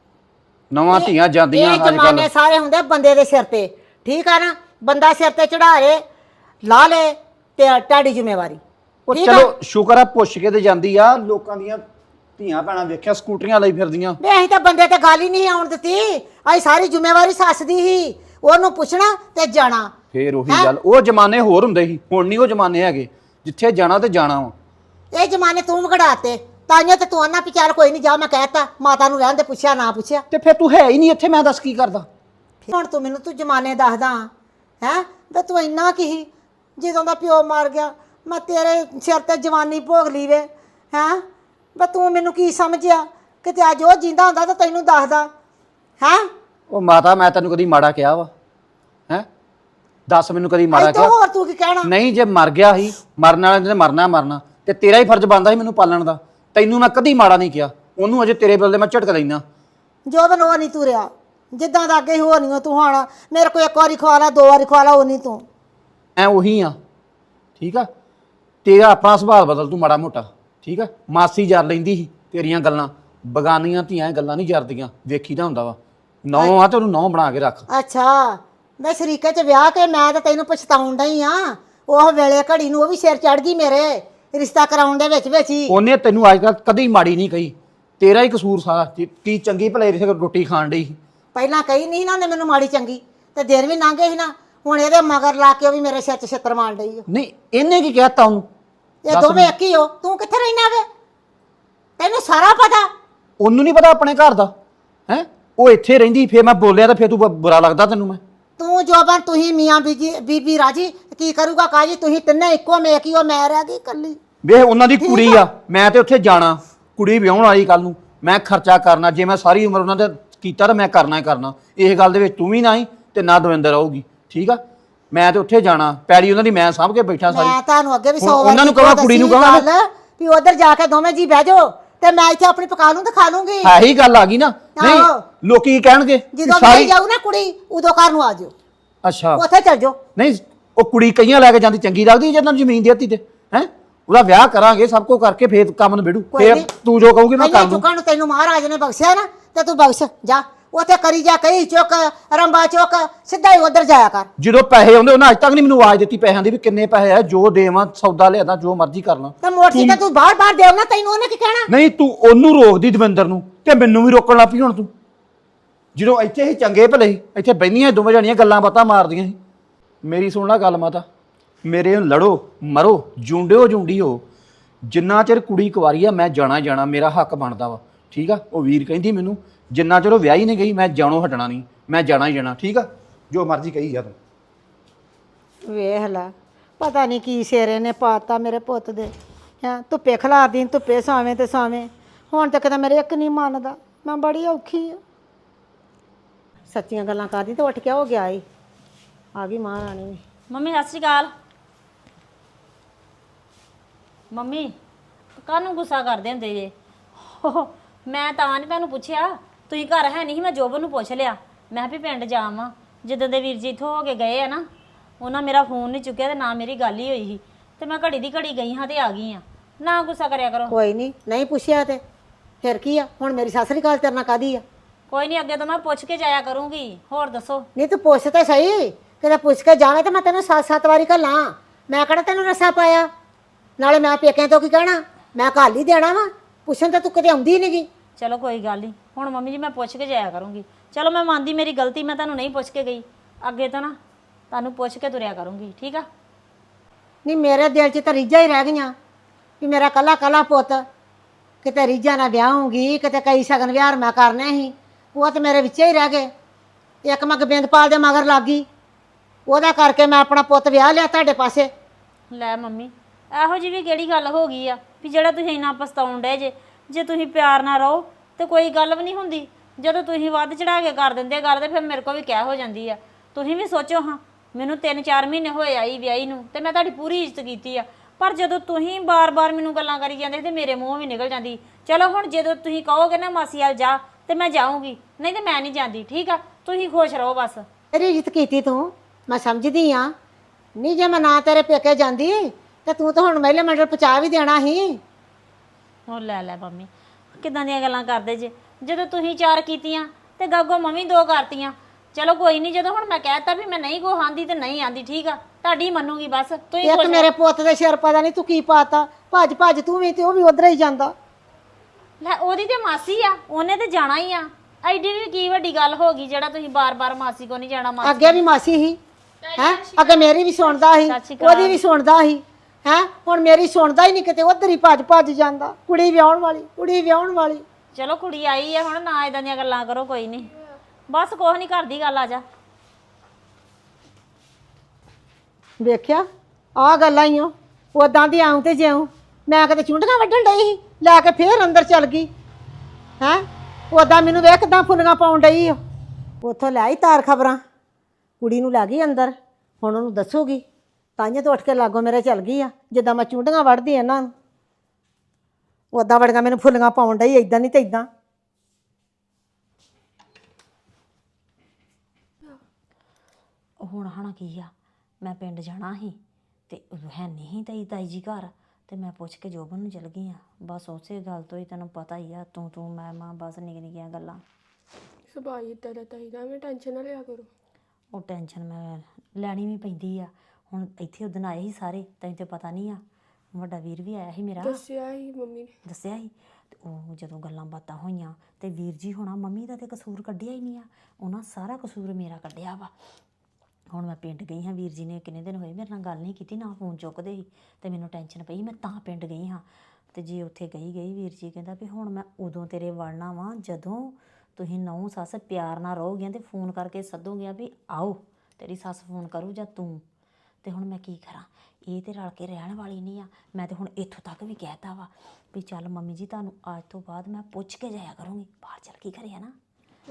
Speaker 4: ਨਵਾਂ ਧੀਆਂ ਜਾਂਦੀਆਂ
Speaker 3: ਇਹ
Speaker 4: ਅੱਜ
Speaker 3: ਜਮਾਨੇ
Speaker 4: ਕੱਲ।
Speaker 3: ਸਾਰੇ ਹੁੰਦੇ ਬੰਦੇ ਦੇ ਸਿਰ ਤੇ, ਠੀਕ ਆ ਨਾ। ਬੰਦਾ ਸਿਰ ਤੇ ਚੜਾਏ ਲਾ ਲੇ ਤੇ ਤੁਹਾਡੀ ਜ਼ਿੰਮੇਵਾਰੀ।
Speaker 4: ਉਹ
Speaker 3: ਠੀਕ ਆ?
Speaker 4: ਚਲੋ ਸ਼ੁਕਰ ਆ ਪੁੱਛ ਕੇ ਤੇ ਜਾਂਦੀ ਆ। ਲੋਕਾਂ ਦੀਆਂ ਧੀਆਂ ਭੈਣਾਂ ਵੇਖਿਆ ਸਕੂਟਰੀਆਂ ਲਈ ਫਿਰਦੀਆਂ।
Speaker 3: ਵੇ ਅਸੀਂ ਤਾਂ ਬੰਦੇ ਤੇ ਗੱਲ ਹੀ ਨਹੀਂ ਆਉਣ ਦਿੱਤੀ। ਅਸੀਂ ਸਾਰੀ ਜ਼ਿੰਮੇਵਾਰੀ ਸੱਸ ਦੀ ਸੀ, ਉਹਨੂੰ ਪੁੱਛਣਾ ਤੇ ਜਾਣਾ।
Speaker 4: ਫੇਰ ਉਹੀ ਗੱਲ, ਉਹ ਜ਼ਮਾਨੇ ਹੋਰ ਹੁੰਦੇ ਸੀ, ਹੁਣ ਨਹੀਂ ਉਹ ਜ਼ਮਾਨੇ ਹੈਗੇ। ਜਿੱਥੇ ਜਾਣਾ ਤੇ ਜਾਣਾ ਵਾ।
Speaker 3: ਇਹ ਜਮਾਨੇ ਤੂੰ ਵਿਗੜਾਤੇ, ਤਾਈਓ ਤੇ ਤੂੰ ਆਨਾ ਵਿਚਾਰ ਕੋਈ ਨਹੀਂ ਜਾ। ਮੈਂ ਕਹਿਤਾ ਮਾਤਾ ਨੂੰ ਰਹਿਣ ਦੇ, ਪੁੱਛਿਆ ਨਾ ਪੁੱਛਿਆ।
Speaker 4: ਤੇ ਫਿਰ ਤੂੰ ਹੈ ਹੀ ਨਹੀਂ ਇੱਥੇ, ਮੈਂ ਦੱਸ ਕੀ ਕਰਦਾ।
Speaker 3: ਹੁਣ ਤੂੰ ਮੈਨੂੰ ਤੂੰ ਜਮਾਨੇ ਦੱਸਦਾ ਹੈ ਵੇ ਤੂੰ ਇੰਨਾ ਕੀ ਸੀ ਜਦੋਂ ਦਾ ਪਿਓ ਮਰ ਗਿਆ। ਮੈਂ ਤੇਰੇ ਸਿਰ ਤੇ ਜਵਾਨੀ ਭੋਗ ਲਈ ਵੇ ਹੈਂ। ਵੇ ਤੂੰ ਮੈਨੂੰ ਕੀ ਸਮਝਿਆ ਕਿ ਤੇ ਅੱਜ ਉਹ ਜਿੰਦਾ ਹੁੰਦਾ ਤਾਂ ਤੈਨੂੰ ਦੱਸਦਾ ਹੈਂ।
Speaker 4: ਉਹ ਮਾਤਾ ਮੈਂ ਤੈਨੂੰ ਕਦੀ ਮਾੜਾ ਕਿਹਾ ਵਾ ਹੈ? ਦੱਸ ਮੈਨੂੰ ਕਦੀ ਮਾੜਾ
Speaker 3: ਅੱਜ ਤੋਂ
Speaker 4: ਕਿਹਾ?
Speaker 3: ਹੋਰ ਤੂੰ ਕੀ ਕਹਿਣਾ?
Speaker 4: ਨਹੀਂ, ਜੇ ਮਰ ਗਿਆ ਸੀ, ਮਰਨ ਵਾਲੇ ਨੇ ਮਰਨਾ ਮਰਨਾ, ਤੇ ਤੇਰਾ ਹੀ ਫਰਜ਼ ਬਣਦਾ ਸੀ ਮੈਨੂੰ ਪਾਲਣ ਦਾ। ਤੈਨੂੰ ਮੈਂ ਕਦੀ ਮਾੜਾ ਨਹੀਂ ਕਿਹਾ। ਉਹਨੂੰ ਅਜੇ ਤੇਰੇ ਬਦਲੇ ਮੈਂ ਝਟਕ ਲੈਣਾ।
Speaker 3: ਜੋ ਬਨ ਉਹ ਨਹੀਂ ਤੁਰਿਆ ਜਿੱਦਾਂ ਦਾ ਅੱਗੇ ਹੋ ਨਹੀਂ ਤੂੰ ਹੁਣ। ਮੇਰੇ ਕੋਲ ਇੱਕ ਵਾਰੀ ਖਵਾ ਲਾ, ਦੋ ਵਾਰੀ ਖਵਾ ਲਾ, ਉਹ ਨਹੀਂ ਤੂੰ।
Speaker 4: ਐ ਉਹੀ ਆ, ਠੀਕ ਆ। ਤੇਰਾ ਆਪਣਾ ਸੁਭਾਅ ਬਦਲ ਤੂੰ ਮਾੜਾ ਮੋਟਾ, ਠੀਕ ਆ। ਮਾਸੀ ਜਰ ਲੈਂਦੀ ਸੀ ਤੇਰੀਆਂ ਗੱਲਾਂ, ਬਗਾਨੀਆਂ ਧੀਆਂ ਇਹ ਗੱਲਾਂ ਨਹੀਂ ਜਰਦੀਆਂ, ਵੇਖੀ ਦਾ ਹੁੰਦਾ ਵਾ। ਨੌ ਆ ਤੇ ਉਹਨੂੰ ਨੌ ਬਣਾ ਕੇ ਰੱਖ।
Speaker 3: ਅੱਛਾ ਮੈਂ ਸ਼ਰੀਕੇ 'ਚ ਵਿਆਹ ਕੇ ਮੈਂ ਤਾਂ ਤੈਨੂੰ ਪਛਤਾਉਣ ਡਈ ਆ। ਉਹ ਵੇਲੇ ਘੜੀ ਨੂੰ ਉਹ ਵੀ ਸਿਰ ਚੜ ਗਈ ਮੇਰੇ ਰਿਸ਼ਤਾ ਕਰਾਉਣ ਦੇ ਵਿੱਚ ਵਿੱਚ ਹੀ।
Speaker 4: ਉਹਨੇ ਤੈਨੂੰ ਅੱਜ ਤੱਕ ਕਦੀ ਮਾੜੀ ਨਹੀਂ ਕਹੀ। ਤੇਰਾ ਹੀ ਕਸੂਰ ਸਾਰਾ। ਕੀ- ਕੀ ਚੰਗੀ ਭਲੇ ਰਿਸ਼ਤੇ ਰੋਟੀ ਖਾਣ ਡਈ ਸੀ।
Speaker 3: ਪਹਿਲਾਂ ਕਹੀ ਨਹੀਂ ਨਾ ਉਹਨੇ ਮੈਨੂੰ ਮਾੜੀ ਚੰਗੀ, ਤੇ ਦਿਨ ਵੀ ਲੰਘੇ ਸੀ ਨਾ। ਹੁਣ ਇਹਦੇ ਮਗਰ ਲਾ ਕੇ ਉਹ ਵੀ ਮੇਰੇ ਸਿਰ 'ਚ ਛਿੱਤਰ ਮਾਰ ਡਈ ਆ।
Speaker 4: ਨਹੀਂ ਇਹਨੇ ਕੀ ਕਹਿਤਾ ਉਹਨੂੰ?
Speaker 3: ਇਹ ਦੋਵੇਂ ਇੱਕ ਹੀ ਹੋ। ਤੂੰ ਕਿੱਥੇ ਰਹਿਣਾ ਵੇ? ਤੈਨੂੰ ਸਾਰਾ ਪਤਾ।
Speaker 4: ਉਹਨੂੰ ਨਹੀਂ ਪਤਾ ਆਪਣੇ ਘਰ ਦਾ ਹੈ? ਉਹ ਇੱਥੇ ਰਹਿੰਦੀ, ਫੇਰ ਮੈਂ ਬੋਲਿਆ ਤਾਂ ਫੇਰ ਤੂੰ ਬ- ਬੁਰਾ ਲੱਗਦਾ ਤੈਨੂੰ ਮੈਂ?
Speaker 3: ਤੂੰ ਜੋਬਨ ਤੁਸੀਂ ਮੀਆਂ ਬੀਜੀ ਬੀਬੀ ਰਾਜੀ ਕੀ ਕਰੂਗਾ ਕਾਜੀ? ਤੁਸੀਂ ਤਿੰਨੇ ਇੱਕੋ ਮੇਕ ਹੀ ਹੋ, ਮੈਂ ਰਹਿ ਗਈ ਇਕੱਲੀ।
Speaker 4: ਵੇ ਉਹਨਾਂ ਦੀ ਕੁੜੀ ਆ, ਮੈਂ ਤੇ ਉੱਥੇ ਜਾਣਾ। ਕੁੜੀ ਵਿਆਹੁਣ ਵਾਲੀ ਕੱਲ ਨੂੰ, ਮੈਂ ਖਰਚਾ ਕਰਨਾ। ਜੇ ਮੈਂ ਸਾਰੀ ਉਮਰ ਉਹਨਾਂ ਦੇ ਕੀਤਾ ਤਾਂ ਮੈਂ ਕਰਨਾ ਹੀ ਕਰਨਾ। ਇਸ ਗੱਲ ਦੇ ਵਿੱਚ ਤੂੰ ਵੀ ਨਾ ਹੀ ਤੇ ਨਾ ਦਵਿੰਦਰ ਆਊਗੀ, ਠੀਕ ਆ। ਮੈਂ ਤੇ ਉੱਥੇ ਜਾਣਾ, ਪੈੜੀ ਉਹਨਾਂ ਦੀ ਮੈਂ ਸਾਂਭ ਕੇ ਬੈਠਾ ਸਾਰੀ।
Speaker 3: ਮੈਂ ਤੁਹਾਨੂੰ ਅੱਗੇ ਵੀ
Speaker 4: ਹੁਣ
Speaker 3: ਸੌ ਵਾਰ
Speaker 4: ਉਹਨਾਂ ਨੂੰ ਕਹਾਂ, ਕੁੜੀ ਨੂੰ ਕਹਾਂ
Speaker 3: ਵੀ ਉਧਰ ਜਾ ਕੇ ਦੋਵੇਂ ਜੀ ਬਹਿ ਜਾਓ ਤੇ ਮੈਂ ਇੱਥੇ ਆਪਣੀ ਪਕਾ ਲੂੰ ਤੇ ਖਾ ਲੂੰਗੀ।
Speaker 4: ਹੈ ਹੀ ਗੱਲ ਆ ਗਈ ਨਾ। ਨਹੀਂ
Speaker 3: ਆਹੋ।
Speaker 4: ਲੋਕੀ ਕੀ ਕਹਿਣਗੇ ਵੀ
Speaker 3: ਜਦੋਂ
Speaker 4: ਸਾਰੀ।
Speaker 3: ਮੈਂ ਜਾਊ ਨਾ ਕੁੜੀ ਉਦੋਂ ਘਰ ਨੂੰ ਆ ਜਾਓ,
Speaker 4: ਅੱਛਾ
Speaker 3: ਉੱਥੇ ਚੱਲ ਜਾਓ।
Speaker 4: ਨਹੀਂ, ਉਹ ਕੁੜੀ ਕਈਆਂ ਲੈ ਕੇ ਜਾਂਦੀ ਚੰਗੀ ਲੱਗਦੀ ਜਦੋਂ ਜ਼ਮੀਨ ਦੇਤੀ ਤੇ ਹੈ। ਉਹਦਾ ਵਿਆਹ ਕਰਾਂਗੇ, ਸਭ ਕੁਝ ਕਰਕੇ ਫੇਰ ਕੰਮ ਨਿਬੜੂ।
Speaker 3: ਕੋਈ
Speaker 4: ਫੇਰ
Speaker 3: ਨੀ।
Speaker 4: ਤੂੰ ਜੋ ਕਹੂਗੀ ਮੈਂ
Speaker 3: ਪਹਿਲਾਂ
Speaker 4: ਕਰ ਦੂੰ।
Speaker 3: ਚੁੱਕਣ ਨੂੰ ਤੈਨੂੰ ਮਹਾਰਾਜ ਨੇ ਬਖਸ਼ਿਆ ਨਾ ਤੇ ਤੂੰ ਬਖਸ਼ ਜਾ। ਉੱਥੇ ਕਰੀ ਜਾ, ਕਈ ਚੁੱਕ ਰੰਬਾ ਚੁੱਕ, ਸਿੱਧਾ ਹੀ ਉਧਰ ਜਾਇਆ ਕਰ।
Speaker 4: ਜਦੋਂ ਪੈਸੇ ਆਉਂਦੇ ਉਹਨਾਂ ਅੱਜ ਤੱਕ ਨਹੀਂ ਮੈਨੂੰ ਆਵਾਜ਼ ਦਿੱਤੀ ਪੈਸਿਆਂ ਦੀ ਵੀ ਕਿੰਨੇ ਪੈਸੇ ਆ, ਜੋ ਦੇਵਾਂ ਸੌਦਾ ਲਿਆਦਾ ਜੋ ਮਰਜ਼ੀ ਕਰ ਲਾਂ।
Speaker 3: ਤੇ ਮੋਟੀ ਤਾਂ ਤੂੰ ਬਾਹਰ ਬਾਹਰ ਦੇਵ ਨਾ, ਤੈਨੂੰ ਉਹਨੇ ਕੀ ਕਹਿਣਾ?
Speaker 4: ਨਹੀਂ ਤੂੰ ਉਹਨੂੰ ਰੋਕਦੀ ਦਵਿੰਦਰ ਨੂੰ ਤੇ ਮੈਨੂੰ ਵੀ ਰੋਕਣ ਲੱਗ ਪਈ ਹੁਣ ਤੂੰ। ਜਦੋਂ ਇੱਥੇ ਹੀ ਚੰਗੇ ਭਲੇ ਸੀ, ਇੱਥੇ ਬੈਠੀਆਂ ਦੋਵੇਂ ਜਣੀਆਂ ਗੱਲਾਂ ਬਾਤਾਂ ਮਾਰਦੀਆਂ ਸੀ। ਮੇਰੀ ਸੁਣ ਲੈ ਗੱਲ ਮਾਤਾ, ਮੇਰੇ ਨਾਲ ਲੜੋ ਮਰੋ ਜੁੰਡਿਓ ਜੁੰਡੀ ਹੋ, ਜਿੰਨਾ ਚਿਰ ਕੁੜੀ ਕੁਆਰੀ ਆ ਮੈਂ ਜਾਣਾ ਹੀ ਜਾਣਾ, ਮੇਰਾ ਹੱਕ ਬਣਦਾ ਵਾ, ਠੀਕ ਆ। ਉਹ ਵੀਰ ਕਹਿੰਦੀ ਮੈਨੂੰ ਜਿੰਨਾ ਚਿਰ ਉਹ ਵਿਆਹੀ ਨਹੀਂ ਗਈ ਮੈਂ ਜਾਣੋਂ ਹਟਣਾ ਨਹੀਂ, ਮੈਂ ਜਾਣਾ ਹੀ ਜਾਣਾ, ਠੀਕ ਆ। ਜੋ ਮਰਜ਼ੀ ਕਹੀ ਜਾ ਤੂੰ।
Speaker 3: ਵੇਖ ਲੈ ਪਤਾ ਨਹੀਂ ਕੀ ਸ਼ੇਰੇ ਨੇ ਪਾਤਾ ਮੇਰੇ ਪੁੱਤ ਦੇ ਹੈਂ। ਧੁੱਪੇ ਖਿਲਾਰਦੀ ਧੁੱਪੇ ਸਾਵੇਂ ਤੇ ਸਾਵੇਂ। ਹੁਣ ਤੱਕ ਤਾਂ ਮੇਰੇ ਇੱਕ ਨਹੀਂ ਮੰਨਦਾ। ਮੈਂ ਬੜੀ ਔਖੀ ਆ। ਸੱਚੀਆਂ ਗੱਲਾਂ ਕਰਦੀ ਤੇ ਉੱਠ ਕੇ ਹੋ ਗਿਆ ਈ। ਆ ਗਈ ਮਹਾਰਾਣੀ ਵੀ।
Speaker 2: ਮੰਮੀ ਸਤਿ ਸ਼੍ਰੀ ਅਕਾਲ। ਮੰਮੀ ਕਾਹਨੂੰ ਗੁੱਸਾ ਕਰਦੇ ਹੁੰਦੇ ਜੇ? ਮੈਂ ਤਾਂ ਨਹੀਂ ਤੁਹਾਨੂੰ ਪੁੱਛਿਆ, ਤੁਸੀਂ ਘਰ ਹੈ ਨਹੀਂ ਸੀ, ਮੈਂ ਜੋਬਨ ਨੂੰ ਪੁੱਛ ਲਿਆ। ਮੈਂ ਵੀ ਪਿੰਡ ਜਾਵਾਂ। ਜਦੋਂ ਦੇ ਵੀਰ ਜੀ ਇੱਥੋਂ ਹੋ ਕੇ ਗਏ ਆ ਨਾ, ਉਹਨਾਂ ਮੇਰਾ ਫੋਨ ਨਹੀਂ ਚੁੱਕਿਆ ਤੇ ਨਾ ਮੇਰੀ ਗੱਲ ਹੀ ਹੋਈ ਸੀ, ਤੇ ਮੈਂ ਘੜੀ ਦੀ ਘੜੀ ਗਈ ਹਾਂ ਤੇ ਆ ਗਈ ਆ। ਨਾ ਗੁੱਸਾ ਕਰਿਆ ਕਰੋ।
Speaker 3: ਕੋਈ ਨਹੀਂ, ਨਹੀਂ ਪੁੱਛਿਆ ਤੇ ਫਿਰ ਕੀ ਆ? ਹੁਣ ਮੇਰੀ ਸੱਸ ਦੀ ਗੱਲ ਤੇਰੇ ਨਾਲ ਕਾਹਦੀ ਆ?
Speaker 2: ਕੋਈ ਨਹੀਂ, ਅੱਗੇ ਤੋਂ ਮੈਂ ਪੁੱਛ ਕੇ ਜਾਇਆ ਕਰੂੰਗੀ। ਹੋਰ ਦੱਸੋ?
Speaker 3: ਨਹੀਂ ਤੂੰ ਪੁੱਛ ਤੇ ਸਹੀ, ਕਿਤੇ ਪੁੱਛ ਕੇ ਜਾਵੇਂ ਤੇ ਮੈਂ ਤੈਨੂੰ ਸੱਤ ਸੱਤ ਵਾਰੀ ਘੱਲਾਂ। ਮੈਂ ਕਿਹੜਾ ਤੈਨੂੰ ਰਸਾ ਪਾਇਆ? ਨਾਲੇ ਮੈਂ ਪੇਕਿਆਂ ਤੋਂ ਕੀ ਕਹਿਣਾ? ਮੈਂ ਘੱਲ ਹੀ ਦੇਣਾ ਵਾ। ਪੁੱਛਣ ਤਾਂ ਤੂੰ ਕਿਤੇ ਆਉਂਦੀ ਨਹੀਂ ਗੀ।
Speaker 2: ਚਲੋ ਕੋਈ ਗੱਲ ਨਹੀਂ, ਹੁਣ ਮੰਮੀ ਜੀ ਮੈਂ ਪੁੱਛ ਕੇ ਜਾਇਆ ਕਰੂੰਗੀ। ਚਲੋ ਮੈਂ ਮੰਨਦੀ ਮੇਰੀ ਗਲਤੀ, ਮੈਂ ਤੁਹਾਨੂੰ ਨਹੀਂ ਪੁੱਛ ਕੇ ਗਈ। ਅੱਗੇ ਤੋਂ ਨਾ ਤੁਹਾਨੂੰ ਪੁੱਛ ਕੇ ਤੁਰਿਆ ਕਰੂੰਗੀ, ਠੀਕ ਆ।
Speaker 3: ਨਹੀਂ ਮੇਰੇ ਦਿਲ 'ਚ ਤਾਂ ਰੀਝਾਂ ਹੀ ਰਹਿ ਗਈਆਂ ਵੀ ਮੇਰਾ ਕੱਲਾ ਕੱਲਾ ਪੁੱਤ ਕਿਤੇ ਰੀਝਾਂ ਨਾਲ ਵਿਆਹੂੰਗੀ, ਕਿਤੇ ਕਈ ਸ਼ਗਨ ਵਿਹਾਰ ਮੈਂ ਕਰਨੇ ਸੀ, ਉਹ ਤਾਂ ਮੇਰੇ ਵਿੱਚੇ ਹੀ ਰਹਿ ਗਏ। ਇੱਕ ਮੈਂ ਗੋਬਿੰਦਪਾਲ ਦੇ ਮਗਰ ਲੱਗ ਗਈ, ਉਹਦਾ ਕਰਕੇ ਮੈਂ ਆਪਣਾ ਪੁੱਤ ਵਿਆਹ ਲਿਆ ਤੁਹਾਡੇ ਪਾਸੇ।
Speaker 2: ਲੈ ਮੰਮੀ ਇਹੋ ਜਿਹੀ ਵੀ ਕਿਹੜੀ ਗੱਲ ਹੋ ਗਈ ਆ ਵੀ ਜਿਹੜਾ ਤੁਸੀਂ ਇੰਨਾ ਪਛਤਾਉਣ ਡੇ ਜੇ ਜੇ ਤੁਸੀਂ ਪਿਆਰ ਨਾਲ ਰਹੋ ਤੇ ਕੋਈ ਗੱਲ ਵੀ ਨਹੀਂ ਹੁੰਦੀ। ਜਦੋਂ ਤੁਸੀਂ ਵੱਧ ਚੜਾ ਕੇ ਕਰ ਦਿੰਦੇ ਆ ਗੱਲ ਤੇ ਫਿਰ ਮੇਰੇ ਕੋਲ ਵੀ ਕਹਿ ਹੋ ਜਾਂਦੀ ਆ। ਤੁਸੀਂ ਵੀ ਸੋਚੋ ਹਾਂ, ਮੈਨੂੰ ਤਿੰਨ ਚਾਰ ਮਹੀਨੇ ਹੋਏ ਆਈ ਵਿਆਹੀ ਨੂੰ ਤੇ ਮੈਂ ਤੁਹਾਡੀ ਪੂਰੀ ਇੱਜ਼ਤ ਕੀਤੀ ਆ, ਪਰ ਜਦੋਂ ਤੁਸੀਂ ਬਾਰ-ਬਾਰ ਮੈਨੂੰ ਗੱਲਾਂ ਕਰੀ ਜਾਂਦੇ ਤੇ ਮੇਰੇ ਮੂੰਹੋਂ ਵੀ ਨਿਕਲ ਜਾਂਦੀ। ਚਲੋ ਹੁਣ ਜਦੋਂ ਤੁਸੀਂ ਕਹੋਗੇ ਨਾ ਮਾਸੀ ਵੱਲ ਜਾ ਤੇ ਮੈਂ ਜਾਊਂਗੀ, ਨਹੀਂ ਤੇ ਮੈਂ ਨਹੀਂ ਜਾਂਦੀ। ਠੀਕ ਆ, ਤੁਸੀਂ ਖੁਸ਼ ਰਹੋ ਬਸ।
Speaker 3: ਤੇਰੀ ਇੱਜ਼ਤ ਕੀਤੀ ਤੂੰ, ਮੈਂ ਸਮਝਦੀ ਆ। ਨਹੀਂ ਜੇ ਮੈਂ ਨਾ ਤੇਰੇ ਪੇਕੇ ਜਾਂਦੀ ਤੇ ਤੂੰ ਤਾਂ ਹੁਣ ਮਹਿਲੇ ਮੰਡਲ ਪਹੁੰਚਾ ਵੀ ਦੇਣਾ ਸੀ।
Speaker 2: ਉਹ ਲੈ ਲੈ ਮੰਮੀ, ਕਿੱਦਾਂ ਦੀਆਂ ਗੱਲਾਂ ਕਰਦੇ ਜੇ? ਜਦੋਂ ਤੁਸੀਂ ਚਾਰ ਕੀਤੀਆਂ ਤੇ ਗਾਗੋ ਮੰਮੀ ਦੋ ਕਰਤੀਆਂ। ਚਲੋ ਕੋਈ ਨਹੀਂ, ਜਦੋਂ ਹੁਣ ਮੈਂ ਕਹਿਤਾ ਵੀ ਮੈਂ ਨਹੀਂ ਕੋ ਆਂਦੀ ਤੇ ਨਹੀਂ ਆਂਦੀ। ਠੀਕ ਆ, ਤੁਹਾਡੀ ਮੰਨੂਗੀ ਬਸ। ਤੁਸੀਂ
Speaker 3: ਇੱਕ ਮੇਰੇ ਪੁੱਤ ਦੇ ਸਿਰ ਪਤਾ ਨਹੀਂ ਤੂੰ ਕੀ ਪਾਤਾ, ਭੱਜ ਭੱਜ ਤੂੰ ਵੀ ਤੇ ਉਹ ਵੀ ਉਧਰ ਹੀ ਜਾਂਦਾ।
Speaker 2: ਲੈ ਉਹਦੀ ਤੇ ਮਾਸੀ ਆ, ਉਹਨੇ ਤੇ ਜਾਣਾ ਹੀ ਆ। ਐਡੀ ਵੀ ਕੀ ਵੱਡੀ ਗੱਲ ਹੋ ਗਈ ਜਿਹੜਾ ਤੁਸੀਂ ਬਾਰ-ਬਾਰ ਮਾਸੀ ਕੋ ਨਹੀਂ ਜਾਣਾ? ਮਾਸੀ
Speaker 3: ਅੱਗੇ ਵੀ ਮਾਸੀ ਸੀ ਹੈ, ਅੱਗੇ ਮੇਰੀ ਵੀ ਸੁਣਦਾ ਸੀ,
Speaker 2: ਸਤਿ ਸ਼੍ਰੀ ਅਕਾਲ।
Speaker 3: ਉਹਦੀ ਵੀ ਸੁਣਦਾ ਸੀ ਹੈ। ਹੁਣ ਮੇਰੀ ਸੁਣਦਾ ਹੀ ਨਹੀਂ, ਕਿਤੇ ਉਧਰ ਹੀ ਭੱਜ ਭੱਜ ਜਾਂਦਾ। ਕੁੜੀ ਵਿਆਹਣ ਵਾਲੀ, ਕੁੜੀ ਵਿਆਹਣ ਵਾਲੀ।
Speaker 2: ਚਲੋ ਕੁੜੀ ਆਈ ਆ ਹੁਣ, ਨਾ ਇਦਾਂ ਦੀਆਂ ਗੱਲਾਂ ਕਰੋ। ਕੋਈ ਨਹੀਂ, ਬਸ ਕੁਛ ਨਹੀਂ ਕਰਦੀ ਗੱਲ। ਆ ਜਾ।
Speaker 3: ਵੇਖਿਆ ਆਹ ਗੱਲਾਂ ਹੀ ਓ ਉਦਾਂ ਦੀ ਆਉਂ ਤੇ ਜਿਉਂ। ਮੈਂ ਕਿਤੇ ਚੁੰਡੀਆਂ ਵੱਢਣ ਡਈ ਸੀ, ਲੈ ਕੇ ਫੇਰ ਅੰਦਰ ਚਲ ਗਈ ਹੈ। ਉਦਾਂ ਮੈਨੂੰ ਵੇਖ ਕਿਦਾਂ ਫੁੱਲੀਆਂ ਪਾਉਣ ਡਈ ਓ। ਉੱਥੋਂ ਲੈ ਆਈ ਤਾਰ ਖਬਰਾਂ, ਕੁੜੀ ਨੂੰ ਲੈ ਗਈ ਅੰਦਰ। ਹੁਣ ਉਹਨੂੰ ਦੱਸੂਗੀ, ਤਾਂਹੀਓ ਤੋਂ ਉੱਠ ਕੇ ਲਾਗੋਂ ਮੇਰੇ ਚਲ ਗਈ ਆ। ਜਿੱਦਾਂ ਮੈਂ ਚੁੰਡੀਆਂ ਵੱਢਦੀ ਇਹਨਾਂ ਨੂੰ, ਉਦਾਂ ਵੜੀਆਂ ਮੈਨੂੰ ਫੁੱਲੀਆਂ ਪਾਉਣ ਡਈ। ਇਦਾਂ ਨਹੀਂ ਤੇ ਇਦਾਂ।
Speaker 2: ਹੁਣ ਹਣਾ ਕੀ ਆ, ਮੈਂ ਪਿੰਡ ਜਾਣਾ ਸੀ ਤੇ ਉਦੋਂ ਹੈ ਨਹੀਂ ਤਾਈ ਤਾਈ ਜੀ ਘਰ, ਤੇ ਮੈਂ ਪੁੱਛ ਕੇ ਜੋਬਨ ਨੂੰ ਚਲ ਗਈ ਆ। ਬਸ ਉਸੇ ਗੱਲ ਤੋਂ ਹੀ ਤੈਨੂੰ ਪਤਾ ਹੀ ਆ, ਤੂੰ ਤੂੰ ਮੈਂ ਮੈਂ ਬਸ ਨਿੱਕੀਆਂ ਨਿੱਕੀਆਂ ਗੱਲਾਂ।
Speaker 5: ਸੁਭਾਅ ਹੀ ਇੱਦਾਂ ਦਾ ਚਾਹੀਦਾ, ਮੈਂ ਟੈਨਸ਼ਨ ਨਾ ਲਿਆ ਕਰੋ।
Speaker 2: ਉਹ ਟੈਨਸ਼ਨ ਮੈਂ ਲੈਣੀ ਵੀ ਪੈਂਦੀ ਆ। ਹੁਣ ਇੱਥੇ ਉਦਣ ਆਏ ਸੀ ਸਾਰੇ, ਤੈਨੂੰ ਤੇ ਪਤਾ ਨਹੀਂ ਆ। ਵੱਡਾ ਵੀਰ ਵੀ ਆਇਆ ਸੀ ਮੇਰਾ,
Speaker 5: ਦੱਸਿਆ ਹੀ ਮੰਮੀ ਨੇ।
Speaker 2: ਦੱਸਿਆ ਸੀ। ਤੇ ਉਹ ਜਦੋਂ ਗੱਲਾਂ ਬਾਤਾਂ ਹੋਈਆਂ ਤੇ ਵੀਰ ਜੀ ਹੋਣਾ ਮੰਮੀ ਦਾ ਤੇ ਕਸੂਰ ਕੱਢਿਆ ਹੀ ਨਹੀਂ ਆ, ਉਹਨਾਂ ਸਾਰਾ ਕਸੂਰ ਮੇਰਾ ਕੱਢਿਆ ਵਾ। ਹੁਣ ਮੈਂ ਪਿੰਡ ਗਈ ਹਾਂ, ਵੀਰ ਜੀ ਨੇ ਕਿੰਨੇ ਦਿਨ ਹੋਏ ਮੇਰੇ ਨਾਲ ਗੱਲ ਨਹੀਂ ਕੀਤੀ, ਨਾ ਫੋਨ ਚੁੱਕਦੇ ਸੀ ਤੇ ਮੈਨੂੰ ਟੈਨਸ਼ਨ ਪਈ, ਮੈਂ ਤਾਂ ਪਿੰਡ ਗਈ ਹਾਂ। ਤੇ ਜੇ ਉੱਥੇ ਗਈ ਗਈ ਵੀਰ ਜੀ ਕਹਿੰਦਾ ਵੀ ਹੁਣ ਮੈਂ ਉਦੋਂ ਤੇਰੇ ਵੜਨਾ ਵਾਂ ਜਦੋਂ ਤੁਸੀਂ ਨੌ ਸੱਸ ਪਿਆਰ ਨਾਲ ਰਹੋਗੀਆਂ ਤੇ ਫੋਨ ਕਰਕੇ ਸੱਦੋਗੀਆਂ ਵੀ ਆਓ, ਤੇਰੀ ਸੱਸ ਫੋਨ ਕਰੂ ਜਾਂ ਤੂੰ। ਤੇ ਹੁਣ ਮੈਂ ਕੀ ਕਰਾਂ, ਇਹ ਤੇ ਰਲ ਕੇ ਰਹਿਣ ਵਾਲੀ ਨਹੀਂ ਆ। ਮੈਂ ਤੇ ਹੁਣ ਇੱਥੋਂ ਤੱਕ ਵੀ ਕਹਿਤਾ ਵਾ ਵੀ ਚੱਲ ਮੰਮੀ ਜੀ ਤੁਹਾਨੂੰ ਅੱਜ ਤੋਂ ਬਾਅਦ ਮੈਂ ਪੁੱਛ ਕੇ ਜਾਇਆ ਕਰੂੰਗੀ, ਬਾਹਰ ਚੱਲ ਕੀ ਕਰੇ ਨਾ।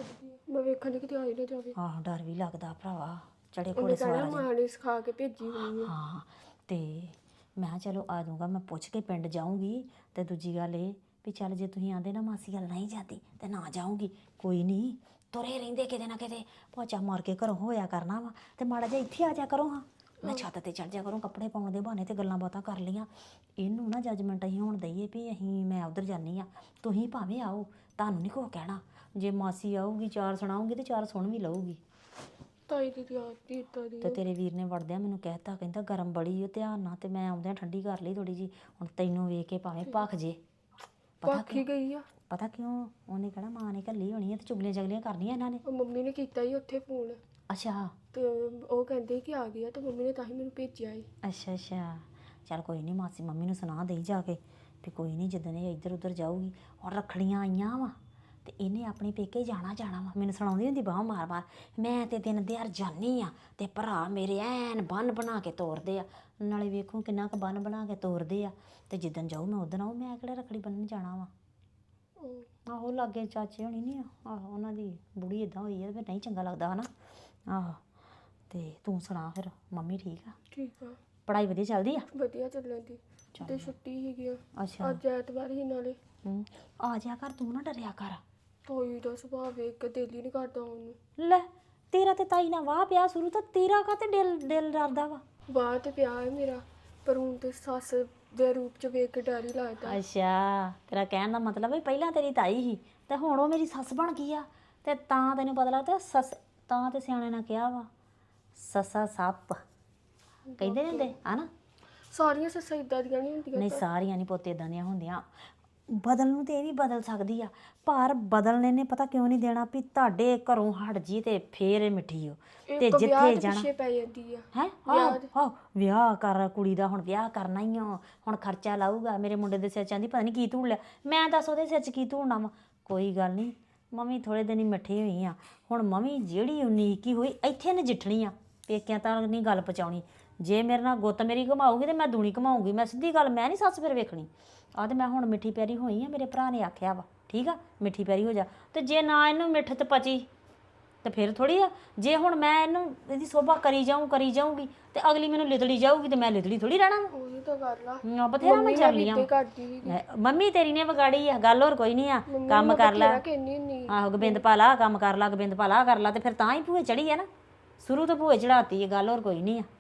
Speaker 5: ਮੈਂ ਵੇਖਣ ਦੀ ਕਿਤੇ ਆਈ ਨਾ ਜਾਵੇ।
Speaker 2: ਆਹੋ ਡਰ ਵੀ ਲੱਗਦਾ ਭਰਾਵਾ, ਚੜੇ
Speaker 5: ਉਹਨੇ
Speaker 2: ਘੋੜੇ
Speaker 5: ਕਹਿਣਾ
Speaker 2: ਸਵਾਰ
Speaker 5: ਮਾਂ ਨੇ ਸਿਖਾ ਕੇ ਭੇਜੀ ਹੋਣੀ ਆ।
Speaker 2: ਹਾਂ। ਤੇ ਮੈਂ ਕਿਹਾ ਚਲੋ ਆ ਜਾਊਗਾ, ਮੈਂ ਪੁੱਛ ਕੇ ਪਿੰਡ ਜਾਊਂਗੀ। ਤੇ ਦੂਜੀ ਗੱਲ ਇਹ ਵੀ ਚੱਲ ਜੇ ਤੁਸੀਂ ਆਂਦੇ ਨਾ ਮਾਸੀ ਗੱਲ ਨਹੀਂ ਜਾਂਦੀ ਤੇ ਨਾ ਜਾਊਂਗੀ, ਕੋਈ ਨਹੀਂ। ਤੁਰੇ ਰਹਿੰਦੇ ਕਿਤੇ ਨਾ ਕਿਤੇ, ਪੋਚਾ ਮਾਰ ਕੇ ਘਰੋਂ ਹੋਇਆ ਕਰਨਾ ਵਾ ਤੇ ਮਾੜਾ ਜਿਹਾ ਇੱਥੇ ਆ ਜਾ ਕਰੋ। ਹਾਂ, ਮੈਂ ਛੱਤ ਤੇ ਚੜ ਜਾ ਕਰੂੰ, ਕੱਪੜੇ ਪਾਉਣ ਦੇ ਬਹਾਨੇ ਤੇ ਗੱਲਾਂ ਬਾਤਾਂ ਕਰ ਲਈਆਂ। ਇਹਨੂੰ ਨਾ ਜੱਜਮੈਂਟ ਅਸੀਂ ਹੁਣ ਦਈਏ ਵੀ ਅਸੀਂ ਮੈਂ ਉੱਧਰ ਜਾਂਦੀ ਹਾਂ, ਤੁਸੀਂ ਭਾਵੇਂ ਆਓ, ਤੁਹਾਨੂੰ ਨਹੀਂ ਕੁਛ ਕਹਿਣਾ। ਜੇ ਮਾਸੀ ਆਊਗੀ ਚਾਰ ਸੁਣਾਊਗੀ ਤੇ ਚਾਰ ਸੁਣ ਵੀ ਲਊਗੀ।
Speaker 5: ਤਾਈ ਦੀ ਯਾਦ ਦੀ ਇੱਦਾਂ ਦੀ
Speaker 2: ਤੇ ਤੇਰੇ ਵੀਰ ਨੇ ਵੜਦਿਆਂ ਮੈਨੂੰ ਕਹਿਤਾ, ਕਹਿੰਦਾ ਗਰਮ ਬੜੀ ਓ ਧਿਆਨ ਨਾਲ। ਤੇ ਮੈਂ ਆਉਂਦਿਆਂ ਠੰਡੀ ਕਰ ਲਈ ਥੋੜੀ ਜੀ। ਹੁਣ ਤੈਨੂੰ ਵੇਖ ਕੇ ਭਾਵੇਂ ਭੱਖ ਜੇ। ਪਤਾ
Speaker 5: ਪਾਖੀ ਗਈ ਆ।
Speaker 2: ਪਤਾ ਕਿਉਂ? ਉਹਨੇ ਕਹਿਣਾ ਮਾਂ ਨੇ ਘੱਲੀ ਹੋਣੀ ਹੈ ਤੇ ਚੁਗਲੀਆਂ ਚਗਲੀਆਂ ਕਰਨੀਆਂ ਇਹਨਾਂ ਨੇ।
Speaker 5: ਉਹ ਮੰਮੀ ਨੇ ਕੀਤਾ ਹੀ ਉੱਥੇ ਫੋਨ,
Speaker 2: ਅੱਛਾ
Speaker 5: ਤੇ ਉਹ ਕਹਿੰਦੇ ਕਿ ਆ ਗਿਆ ਤੇ ਮੰਮੀ ਨੇ ਤਾਂ ਹੀ ਮੈਨੂੰ ਭੇਜਿਆ ਸੀ।
Speaker 2: ਅੱਛਾ ਅੱਛਾ, ਚੱਲ ਕੋਈ ਨਹੀਂ, ਮਾਸੀ ਮੰਮੀ ਨੂੰ ਸੁਣਾ ਦੇਈ ਜਾ ਕੇ ਵੀ ਕੋਈ ਨਹੀਂ ਜਿੱਦਣ ਇਹ ਇੱਧਰ ਉੱਧਰ ਜਾਊਗੀ। ਔਰ ਰੱਖੜੀਆਂ ਆਈਆਂ ਵਾ ਤੇ ਇਹਨੇ ਆਪਣੇ ਪੇਕੇ ਜਾਣਾ ਜਾਣਾ ਵਾ। ਮੈਨੂੰ ਸੁਣਾਉਂਦੀ ਹੁੰਦੀ ਬਾਹ ਮਾਰ ਮਾਰ, ਮੈਂ ਤੇ ਦਿਨ ਦਿਹਾੜ ਜਾਨੀ ਆ ਤੇ ਭਰਾ ਮੇਰੇ ਐਨ ਬੰਨ ਬਣਾ ਕੇ ਤੋਰਦੇ ਆ। ਨਾਲੇ ਵੇਖੋ ਕਿੰਨਾ ਕੁ ਬੰਨ ਬਣਾ ਕੇ ਤੋਰਦੇ ਆ। ਤੇ ਜਿੱਦਣ ਜਾਊ ਮੈਂ ਉਦਣ ਆਊ, ਮੈਂ ਕਿਹੜਾ ਰੱਖੜੀ ਬੰਨ੍ਹਣ ਜਾਣਾ ਵਾ। ਆਹੋ ਲਾਗੇ ਚਾਚੇ ਹੋਣੀ ਨਹੀਂ ਆ, ਆਹੋ ਉਹਨਾਂ ਦੀ ਬੁੜੀ ਇਦਾਂ ਹੋਈ ਆ, ਫਿਰ ਨਹੀਂ ਚੰਗਾ ਲੱਗਦਾ ਹਨਾ। ਆਹੋ, ਤੇ ਤੂੰ ਸੁਣਾ ਫਿਰ, ਮੰਮੀ ਠੀਕ ਆ?
Speaker 5: ਠੀਕ ਆ,
Speaker 2: ਪੜ੍ਹਾਈ ਵਧੀਆ ਚੱਲਦੀ ਆ?
Speaker 5: ਵਧੀਆ ਚੱਲਣ ਦੀ। ਤੇ ਛੁੱਟੀ ਸੀਗੀ ਆ।
Speaker 2: ਅੱਛਾ।
Speaker 5: ਅੱਜ ਐਤਵਾਰ ਹੀ ਨਾਲੇ।
Speaker 2: ਹੂੰ, ਆ ਜਾ ਕਰ, ਤੂੰ ਨਾ ਡਰਿਆ ਕਰ।
Speaker 5: ਤਾਈ ਦਾ ਸੁਭਾਅ ਵੇਖ ਕੇ ਦਿਲ ਹੀ ਨਹੀਂ ਕਰਦਾ ਉਹਨੂੰ।
Speaker 2: ਲੈ ਤੇਰਾ ਤੇ ਤਾਈ ਨਾਲ ਵਾਹ ਪਿਆ ਸ਼ੁਰੂ ਤੋਂ, ਤੇਰਾ ਕਾਤੇ ਦਿਲ ਦਿਲ ਡਰਦਾ ਵਾ?
Speaker 5: ਬਾਹਰ ਤੇ ਪਿਆ ਹੈ ਮੇਰਾ, ਪਰ ਹੁਣ ਤੇ ਸੱਸ ਦੇ ਰੂਪ ਚ ਵੇਖ ਕੇ ਡਰ ਹੀ ਲੱਗਦਾ।
Speaker 2: ਅੱਛਾ, ਤੇਰਾ ਕਹਿਣ ਦਾ ਮਤਲਬ ਹੈ ਪਹਿਲਾਂ ਤੇਰੀ ਤਾਈ ਸੀ ਤੇ ਹੁਣ ਉਹ ਮੇਰੀ ਸੱਸ ਬਣ ਗਈ ਆ, ਤੇ ਤਾਂ ਤੈਨੂੰ ਪਤਾ ਲੱਗਦਾ ਸੱਸ। ਤਾਂ ਤੇ ਸਿਆਣੇ ਨੇ ਕਿਹਾ ਵਾ ਸੱਸਾ ਸੱਪ ਕਹਿੰਦੇ ਨੇ ਹੁੰਦੇ ਹਨਾ।
Speaker 5: ਸਾਰੀਆਂ ਸੱਸਾਂ ਇਦਾਂ ਦੀਆਂ ਨਹੀਂ ਹੁੰਦੀਆਂ।
Speaker 2: ਨਹੀਂ ਸਾਰੀਆਂ ਨਹੀਂ ਪੁੱਤ ਇਦਾਂ ਦੀਆਂ ਹੁੰਦੀਆਂ। ਬਦਲ ਨੂੰ ਤੇ ਇਹ ਵੀ ਬਦਲ ਸਕਦੀ ਆ, ਪਰ ਬਦਲਨੇ ਨੇ ਪਤਾ ਕਿਉਂ ਨਹੀਂ ਦੇਣਾ ਵੀ ਤੁਹਾਡੇ ਘਰੋਂ ਹਟ ਜੀ ਤੇ ਫੇਰ ਇਹ ਮਿੱਠੀ ਹੋ ਤੇ ਜਿੱਥੇ ਜਾਣਾ
Speaker 5: ਪਿੱਛੇ ਪੈ ਜਾਂਦੀ ਆ।
Speaker 2: ਹੈ। ਆਹ ਵਿਆਹ ਕਰ ਕੁੜੀ ਦਾ, ਹੁਣ ਵਿਆਹ ਕਰਨਾ ਹੀ ਆ, ਹੁਣ ਖਰਚਾ ਲਾਊਗਾ। ਮੇਰੇ ਮੁੰਡੇ ਦੇ ਸਿਰ 'ਚ ਆਂਦੀ ਪਤਾ ਨਹੀਂ ਕੀ ਧੂੜ ਲਿਆ। ਮੈਂ ਦੱਸ ਉਹਦੇ ਸਿਰ 'ਚ ਕੀ ਧੂੜਨਾ ਵਾ? ਕੋਈ ਗੱਲ ਨਹੀਂ, ਮੰਮੀ ਥੋੜੇ ਦਿਨ ਹੀ ਮਿੱਠੀ ਹੋਈ ਆ। ਹੁਣ ਮੰਮੀ ਜਿਹੜੀ ਉਨੀਕ ਹੀ ਹੋਈ ਇੱਥੇ ਨਜਿੱਠਣੀ ਆ, ਪੇਕਿਆਂ ਤਾਂ ਨਹੀਂ ਗੱਲ ਪਹੁੰਚਾਉਣੀ। ਜੇ ਮੇਰੇ ਨਾਲ ਗੁੱਤ ਮੇਰੀ ਘਮਾਊਗੀ ਤੇ ਮੈਂ ਦੂਣੀ ਘਮਾਊਗੀ। ਮੈਂ ਸਿੱਧੀ ਗੱਲ, ਮੈਂ ਨਹੀਂ ਸੱਸ ਫਿਰ ਵੇਖਣੀ। ਆ ਤੇ ਮੈਂ ਹੁਣ ਮਿੱਠੀ ਪਿਆਰੀ ਹੋਈ ਆ, ਮੇਰੇ ਭਰਾ ਨੇ ਆਖਿਆ ਵਾ ਠੀਕ ਆ ਮਿੱਠੀ ਪਿਆਰੀ ਹੋ ਜਾ। ਤੇ ਜੇ ਨਾ ਇਹਨੂੰ ਮਿੱਠ ਤੇ ਪਚੀ ਤੇ ਫਿਰ ਥੋੜੀ ਆ। ਜੇ ਹੁਣ ਮੈਂ ਇਹਨੂੰ ਇਹਦੀ ਸੋਭਾ ਕਰੀ ਜਾਊਂ ਕਰੀ ਜਾਊਂਗੀ ਤੇ ਅਗਲੀ ਮੈਨੂੰ ਲਿਦੜੀ ਜਾਊਗੀ ਤੇ ਮੈਂ ਲਿਦੜੀ ਥੋੜੀ ਰਹਿਣਾ ਵਾ।
Speaker 5: ਉਹੀ ਤਾਂ ਗੱਲ ਆ।
Speaker 2: ਹਾਂ, ਬਥੇਰਾ ਮੈਂ ਚੱਲ ਲਿਆ
Speaker 5: ਤੇ ਕਰਦੀ ਸੀ
Speaker 2: ਮੰਮੀ ਤੇਰੀ ਨੇ ਵਿਗਾੜੀ ਆ ਗੱਲ, ਹੋਰ ਕੋਈ ਨਹੀਂ ਆ। ਕੰਮ ਕਰ ਲੈ,
Speaker 5: ਕਹਿੰਦੀ ਹੁੰਦੀ
Speaker 2: ਆਹੋ ਗੋਬਿੰਦ ਪਾ ਲਾ, ਕੰਮ ਕਰ ਲਾ, ਗੋਬਿੰਦ ਪਾ ਲਾ ਕਰ ਲਾ, ਤੇ ਫਿਰ ਤਾਂ ਹੀ ਭੂਏ ਚੜੀ ਆ ਨਾ। ਸ਼ੁਰੂ ਤੋਂ ਭੂਏ ਚੜਾਤੀ ਹੈ ਗੱਲ, ਹੋਰ ਕੋਈ ਨਹੀਂ ਆ।